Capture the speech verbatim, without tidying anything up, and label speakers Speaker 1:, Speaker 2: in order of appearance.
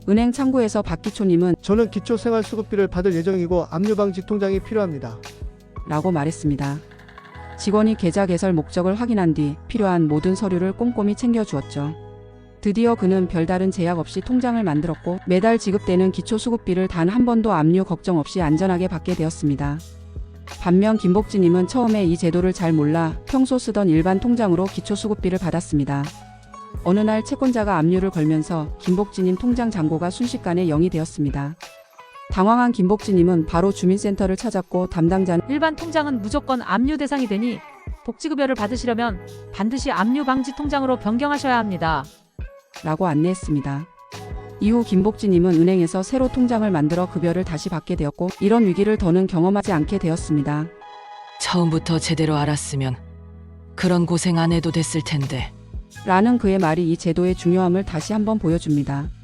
Speaker 1: 은행 창구에서 박기초님은
Speaker 2: 저는 기초생활수급비를 받을 예정이고 압류방지 통장이 필요합니다.
Speaker 1: 라고 말했습니다. 직원이 계좌 개설 목적을 확인한 뒤 필요한 모든 서류를 꼼꼼히 챙겨주었죠. 드디어 그는 별다른 제약 없이 통장을 만들었고 매달 지급되는 기초수급비를 단 한 번도 압류 걱정 없이 안전하게 받게 되었습니다. 반면 김복진님은 처음에 이 제도를 잘 몰라 평소 쓰던 일반 통장으로 기초수급비를 받았습니다. 어느 날 채권자가 압류를 걸면서 김복진님 통장 잔고가 순식간에 영이 되었습니다. 당황한 김복진님은 바로 주민센터를 찾았고 담당자는
Speaker 3: 일반 통장은 무조건 압류 대상이 되니 복지급여를 받으시려면 반드시 압류 방지 통장으로 변경하셔야 합니다.
Speaker 1: 라고 안내했습니다. 이후 김복진님은 은행에서 새로 통장을 만들어 급여를 다시 받게 되었고 이런 위기를 더는 경험하지 않게 되었습니다.
Speaker 4: 처음부터 제대로 알았으면 그런 고생 안 해도 됐을 텐데.
Speaker 1: 라는 그의 말이 이 제도의 중요함을 다시 한번 보여줍니다.